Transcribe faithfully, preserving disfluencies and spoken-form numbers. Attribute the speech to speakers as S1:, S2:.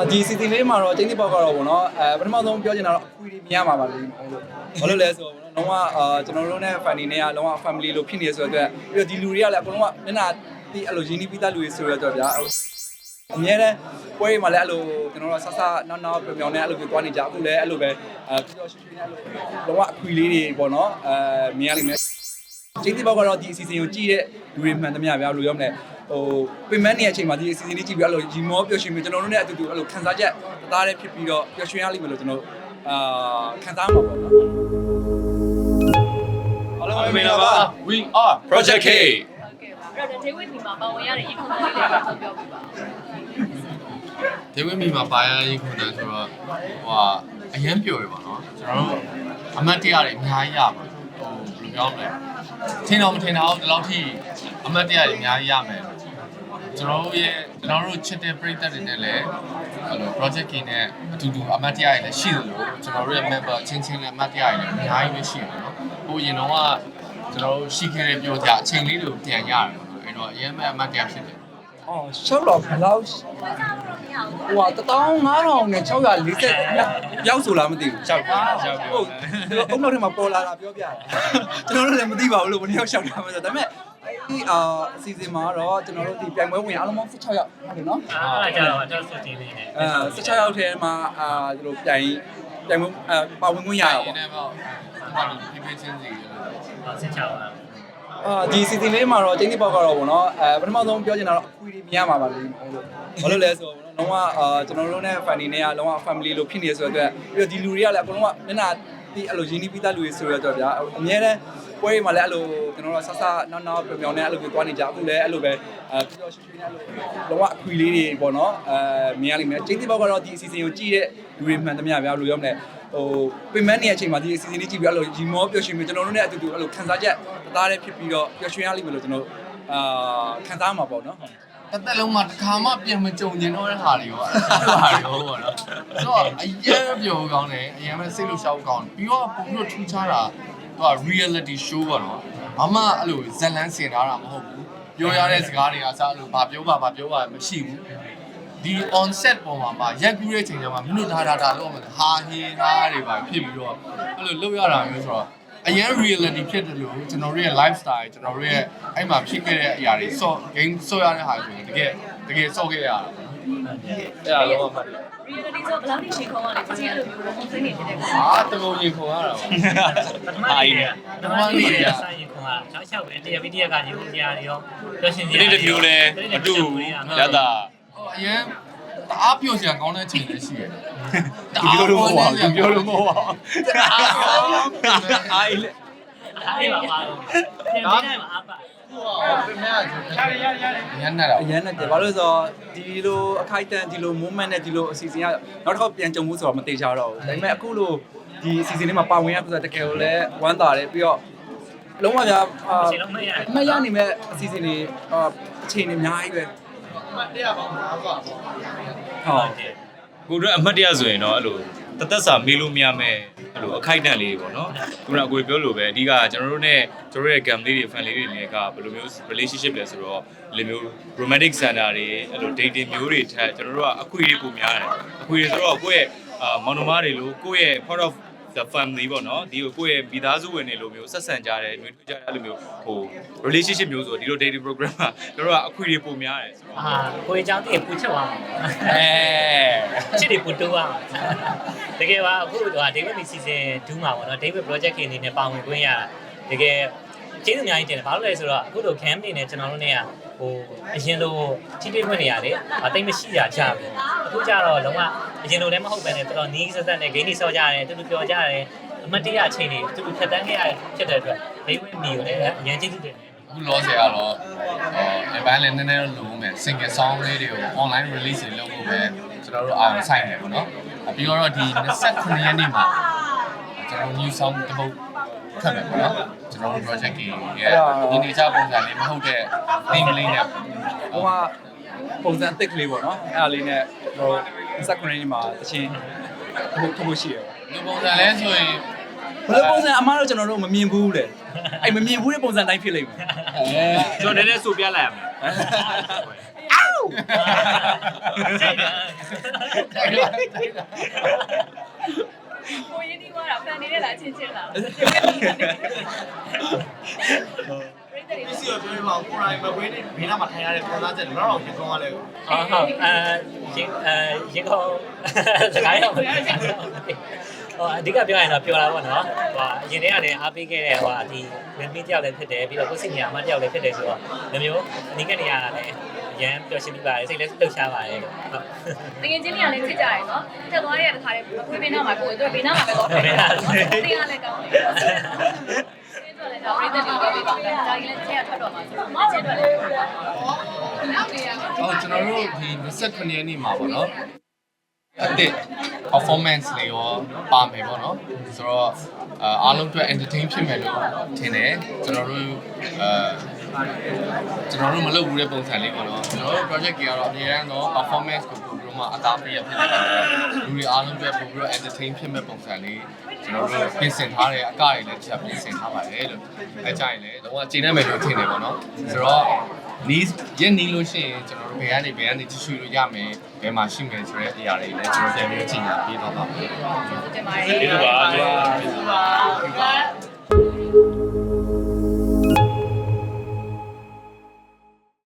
S1: ဒီစီစဉ်လေးမှာတော့ကျင်းတိပေါက်ကတော့ပေါ့နော်အဲပထမဆုံးပြောချင်တာတော့အခွေတွေမြင်ရမှာပါလေဘာလို့လဲဆိုတော့လုံးဝအာကျွန်တော်တို့နဲ့ family နဲ့ကလုံးဝ family လို့ဖြစ်နေဆိုတော့ပြီးတော့ဒီလူတွေကလည်းအကုန်လုံးကမျက်နှာဒီအဲ့လိုရင်းနှီးပြီးသားလူတွေဆိုတော့ဗျာအများနဲ့ပွဲတွေမှာလည်းအဲ့လိုကျွန်တော်တို့ဆဆနောက်နောက်ပြောင်ပြောင်နဲ့အဲ့လိုပြောသွားနေကြအခုလည်းအဲ့လိုပဲအဲပြောရွှေရွှေနဲ့အဲ့လိုလုံးဝအခွေလေးတွေပေါ့နော်အဲမြင်ရလိမ့်မယ်ကျင်းတိပေါက်ကတော့ဒီအစီအစဉ်ကိုကြည့်တဲ့လူတွေမှန်သမျှဗျာဘယ်လိုပြောမလဲဟိုပင်မနေတဲ့အချိန်မှာဒီအစီအစဉ်လေးကြည့်ပြီးအဲ့လိုရီမောပျော်ရွှင်ပြီးကျွန်တော်တို့နဲ့အတူတူအဲ့လိုခံစားချက်သားတဲ့ဖြစ်ပြီးတော့ပျော်ရွှင်ရလိမ့်မယ်လို့ကျွန်တော်အာခံစားမှာပေါ့နော်အားလုံးမင်္ဂလာပါ
S2: We are Project K
S3: ဟုတ်ကဲ့ပါအဲ့တော့ David ဒီမှာပါဝင်ရတဲ့ရေခုန်လေးတွေတော့ပြောပြပါ
S2: David မီမှာပါရရေးခွန်တယ်ဆိုတော့ဟိုအရန်ပျော်ရပါတော့ကျွန်တော်တို့အမတ်တရားတွေအများကြီးရပါဟိုဘယ်လိုပြောမလဲထင်တော့မထင်တော့ဒီလောက်ထိအမတ်တရားတွေအများကြီးရမယ်ကျွန်တော်တို့ရဲ့ကျွန်တော်တို့ချစ်တဲ့ပရိသတ်တွေနဲ့လည်းအဲ့လို Project K နဲ့အတူတူအမတ်တရားတွေလည်းရှိတယ်လို့ကျွန်တော်တို့ရဲ့ member ချင်းချင်းလည်းအမတ်တရားတွေလည်းအများကြီးပဲရှိတယ်နော်ဟိုရင်တော့ကကျွန်တော်တို့ရှိခဲ့တဲ့ပြောကြအချိန်လေးတွေကိုပြန်ရတယ်အဲ့တော့အရင်မဲ့အမတ်တရားဖြစ်တယ်
S1: အော်ရှောက်တော့ဘယ်လောက်ဟိုတတောင်းငါးထောင်နဲ့၆၄၀ရောက်ဆိုလားမသိဘူးရှောက်တာရှောက်ဟုတ်အုံနောက်ထဲမှာပေါ်လာတာပြောပြတာကျွန်တော်တို့လည်းမသိပါဘူးလို့ဘယ်နှယောက်ရှောက်တာမှဆိုဒါပေမဲ့ဒီအာအစီအစဉ်မှာတော့ကျွန်တော်တို့ဒီပြိုင်ပွဲဝင်အားလုံးပေါင်း၁၆ယောက်ဟုတ်တယ်နော်
S4: အားကြတော့ကျွန်တော်စတင်နေတယ်
S1: အဲ၁၆ယောက်ထဲမှာအာဒီလိုပြိုင်ပြိုင်ပွဲအာပါဝင်ခွင့်ရတာပေါ့
S2: ဒီနေ့ပေါ့ဘာလို့ဒီပေးချင်းစီလဲ
S4: ဆစ်ချပါ
S1: အာဒီစီစဉ်လေးမှာတော့ကျင်းတိပေါက်ကတော့ဗောနော်အဲပထမဆုံးပြောချင်တာတော့အခွေတွေမြင်ရမှာပါလေဟုတ်လို့ဘာလို့လဲဆိုတော့လုံးဝအာကျွန်တော်တို့နဲ့ family နဲ့ကလုံးဝ family လို့ဖြစ်နေဆိုတော့ပြီးတော့ဒီလူတွေကလည်းအကုန်လုံးကမျက်နှာဒီအဲ့လိုရင်းနှီးပြီးသားလူတွေဆိုတော့ဗျာအများနဲ့ပွဲတွေမှာလည်းအဲ့လိုကျွန်တော်တို့ဆဆနောက်နောက်ပြောင်ပြောင်နဲ့အဲ့လိုပြောသွားနေကြအခုလည်းအဲ့လိုပဲအဲပြောရွှေရွှေနဲ့အဲ့လိုလုံးဝအခွေလေးတွေပေါ့နော်အဲမြင်ရလိမ့်မယ်ကျင်းတိပေါက်ကတော့ဒီအစီအစဉ်ကိုကြည့်တဲ့လူတွေမှန်သမျှဗျာဘယ်လိုပြောမလဲဟိုပင်မနေတဲ့အချိန်မှာဒီအစီအစဉ်လေးကြည့်ပြီးအဲ့လိုရီမောပျော်ရွှင်ပြီးကျွန်တော်တို့နဲ့အတူတူအဲ့လိုခံစားချက်သားတဲ့ဖြစ်ပြီးတော့ပျော်ရွှင်ရလိမ့်မယ်လို့ကျွန်တော်အာခံစားမှာပေါ့နော်
S2: တစ်သက်လုံးမှာတစ်ခါမှပြန်မကြုံကျင်တော့တဲ့ဟာတွေရောအဲ့ဒါဟာတွေရောပေါ့နော်ဆိုတော့အရင်ပြောကောင်းတယ်အရင်ပဲစိတ်လို့ရှောက်ကောင်းပြီးတော့ပုံလို့ထူးခြားတာသူက reality show ပေါ့နော်ဘာမှအဲ့လိုဇက်လန်းစင်ထားတာမဟုတ်ဘူးပြောရတဲ့စကားတွေကစအဲ့လိုဘာပြောပါဘာပြောပါမရှိဘူးဒီ on set ပေါ်မှာပါရက်ကူးတဲ့အချိန်ကျမှမင်းတို့ဒါဒါဒါလို့မှာဟာဟင်းသားတွေပါဖြစ်ပြီးတော့အဲ့လိုလုပ်ရတာမျိုးဆိုတော့အရင် reality ဖြစ်တယ်လို့ကျွန်တော်တို့ရဲ့ lifestyle ကျွန်တော်တို့ရဲ့အဲ့မှာဖြစ်ခဲ့တဲ့အရာတွေ so game ဆော့ရတဲ့ဟာဆိုရင်တကယ်တကယ်ဆော့ခဲ့ရတာအဲ့ဒါလုံးဝမှတ်တယ်
S3: reality ဆိုဘယ်လောက်ထိချိန်ခေါ်ရလဲဒီအဲ့လိုမျိုးပုံစံနေဖြစ်တဲ့ကောင်
S2: အာတကုံရင်ခေါ်ရတာပါ
S4: ပထမနေ့ကပထမနေ့ကဆိုင်ရင်ခွန်က၆၆ပဲတရားပြီးတရားကညီမတရားတွေရောပြောရှင်တရားတွေရောလည်းမတူရတာ
S2: ဟိုအရင်တအားပြောစရာကောင်းတဲ့ချိန်လည်းရှိရတယ်
S1: ပြောလို့မဟုတ်ပါဘူးပြောလို့မဟုတ်ပါဘူး
S4: အားလေအားပါပါတော့ပြန်နေတယ်မှာအားပါ
S2: ပြင်မဲ့ရတယ်ရတယ်ရန်နေတာ
S1: အရန်နဲ့ဘာလို့လဲဆိုတော့ဒီလိုအခိုက်အတန့်ဒီလို moment နဲ့ဒီလိုအစီအစဉ်ကနောက်တစ်ခါပြန်ကြုံမှုဆိုတော့မသေးချာတော့ဘူးဒါပေမဲ့အခုလိုဒီအစီအစဉ်လေးမှာပါဝင်ရဆိုတော့တကယ်ကိုလည်းဝမ်းသာတယ်ပြီးတော့လုံးဝကြာအမရနိုင်မဲ့အစီအစဉ်တွေအချိန်တွေအများကြီးပဲ
S2: အမှတ်တရပေါင်း၅ပါ
S1: ဟုတ်
S5: ကိုတို့အမှတ်တရဆိုရင်တော့အဲ့လိုတသက်စာမေးလို့မရမဲ့အဲ့လိုအခိုက်အတန့်လေးပေါ့နော်ခုနကကိုပြောလို့ပဲအဓိကကျွန်တော်တို့ ਨੇ ကျွန်တော်ရဲ့ game လေးတွေ fan လေးတွေလည်းကဘယ်လိုမျိုး relationship လဲဆိုတော့ဒီလိုမျိုး romantic center တွေအဲ့လို dating မျိုးတွေထက်ကျွန်တော်တို့ကအခွေတွေပုံများတယ်အခွေတွေဆိုတော့ကိုယ့်ရဲ့အာမောင်နှမတွေလို့ကိုယ့်ရဲ့ part of the family ပေါ့နော်ဒီကိုယ့်ရဲ့မိသားစုဝင်တွေလိုမျိုးဆက်ဆံကြတယ်နှွေးထွေးကြတယ်အဲ့လိုမျိုးဟို relationship မျိုးဆိုဒီလို dating program မှာကျွန်တော်တို့ကအခွေတွေပုံများတယ်
S4: အာကိုယ်အကြောင်းတည်းပူချက်သွားမှာအဲချစ်တွေပူတိုးသွားမှာတကယ်ပါအခုက David မီစီစဉ်ဒူးမှာပေါ့နော် David project အနေနဲ့ပါဝင်ခွင့်ရတကယ်ကျေးဇူးအများကြီးတင်တယ်ဘာလို့လဲဆိုတော့အခုလို camp နေနဲ့ကျွန်တော်တို့ ਨੇ ကဟိုအရင်လိုထိတွေ့ခွင့်နေရတယ်အသိမရှိရကြပြီအခုကျတော့လုံးဝအရင်လိုလည်းမဟုတ်ပဲねတော်တော်နီးစက်စက်နဲ့ game တွေဆော့ကြရတယ်တူတူပြောကြရတယ်အမတ်တရအချိန်တွေတူတူဖြတ်တန်းခဲ့ရဖြစ်တဲ့အတွက် David မီကိုလည်းအရင်ကျေးဇူးတင်တယ်
S2: အခုလောဆယ်ကတော့အဲဘိုင်းလည်းနည်းနည်းတော့လိုမယ် single song လေးတွေကို online release တွေလုပ်ဖို့ပဲကျွန်တော်တို့အာရုံစိုက်နေပါတော့ပြီးတော့ဒီ၂၉ရက်နေ့မှာကျွန်တော် new song တစ်ပုဒ်ထပ်မယ်ပေါ့နော်ကျွန်တော်တို့ project ကြီးရဲ့ဒီနေချပုံစံလေးမဟုတ်တဲ့ theme လေးနဲ့
S1: ဟိုကပုံစံအသစ်ကလေးပေါ့နော်အဲ့ဒါလေးနဲ့ဟို၂၉ရက်နေ့မှာတချင်းဟိုထုတ်ဖို့ရှိရပါ
S2: ဒီပုံစံလဲဆိုရင်
S1: ဘယ်လိုပုံစံအမားတို့ကျွန်တော်တို့မမြင်ဘူးလေအဲ့မမြင်ဘူးတဲ့ပုံစံတိုင်းဖြစ်လိမ့်မယ်
S5: အဲကျွန်တော်နည်းနည်းဆိုပြလိုက်ရမယ်
S1: အော်
S3: ကိုရင်းနှီးသွားတာဖန်နေတဲ့လားချင်းချင်းလားပြည့်တယ်
S6: စီရပြောပါကိုရိုင်းမကွေးနေဘေးနားမှာထိုင်ရတဲ့ပုံသားချက်တော့တော့ရင်ကောင်းရလဲ
S4: ဟုတ်ဟုတ်အဲရင်အဲရင်ကောစကားတော့ဟိုအဓိကပြောရရင်တော့ပြောတာပေါ့နော်ဟိုအရင်တည်းကလည်းအားပေးခဲ့တဲ့ဟိုဒီမင်းမင်းတယောက်လည်းဖြစ်တယ်ပြီးတော့ကိုစိတ်ညာအမတယောက်လည်းဖြစ်တယ်ဆိုတော့မျိုးမျိုးအနိကနေရတာလည်းရမ်းပျော်ရွှင်ပြီးပါတယ်စိတ်လည်းလှုပ်ရှားပါတယ်လို့ဟုတ်
S3: တကယ်ချင်းတွေကလည်းချစ်ကြတယ်နော်ထက်သွားရတဲ့ခါလေးအခွေးဘေးနားမှာကိုယ်တို့ဘေးနားမှာပဲတော့တယ်နော်တင်ရလည်းကောင်းတယ်ကျင်းတော့လည်းတော့ပြည့်တယ်လို့ပြောတာဒါကြီးလည်းချက်ရထွက်တော့မှာဆိုတော့ချက်တော့လည်းနောက်နေရမှာ
S2: ဟောကျွန်တော်တို့ဒီ29ရက်နေ့မှာပေါ့နော်အတစ် performance လေးရောပါမယ်ပေါ့နော်ဆိုတော့အားလုံးအတွက် entertain ဖြစ်မယ်လို့ထင်တယ်ကျွန်တော်တို့အဲကျွန်တော်တို့မလုပ်ဘူးတဲ့ပုံစံလေးပေါ့နော်ကျွန်တော်တို့ project ကြီးကတော့အများအားတော့ performance ကိုပို့ပြီးတော့မှအသားပေးရဖြစ်နေတာလူတွေအားလုံးအတွက်ပို့ပြီးတော့ entertain ဖြစ်မဲ့ပုံစံလေးကျွန်တော်တို့ပြင်ဆင်ထားတဲ့အကတွေလည်းတစ်ချက်ပြင်ဆင်ထားပါတယ်လို့အဲကြရင်လည်းတော့ကျေနပ်မယ်လို့ထင်တယ်ပေါ့နော်ဆိုတော့နီးရက်နီးလို့ရှိရင်ကျွန်တော်တို့ဘယ်ကနေဘယ်ကနေကြည့်ရှုလို့ရမယ်ဘယ်မှာရှိမယ်ဆိုတဲ့အရာတွေလည်းကျွန်တော်ပြန်ပြီးချိန်ညာပေးတော့ပါမယ်
S3: တင်ပါတယ်
S5: ဒီလိုပါ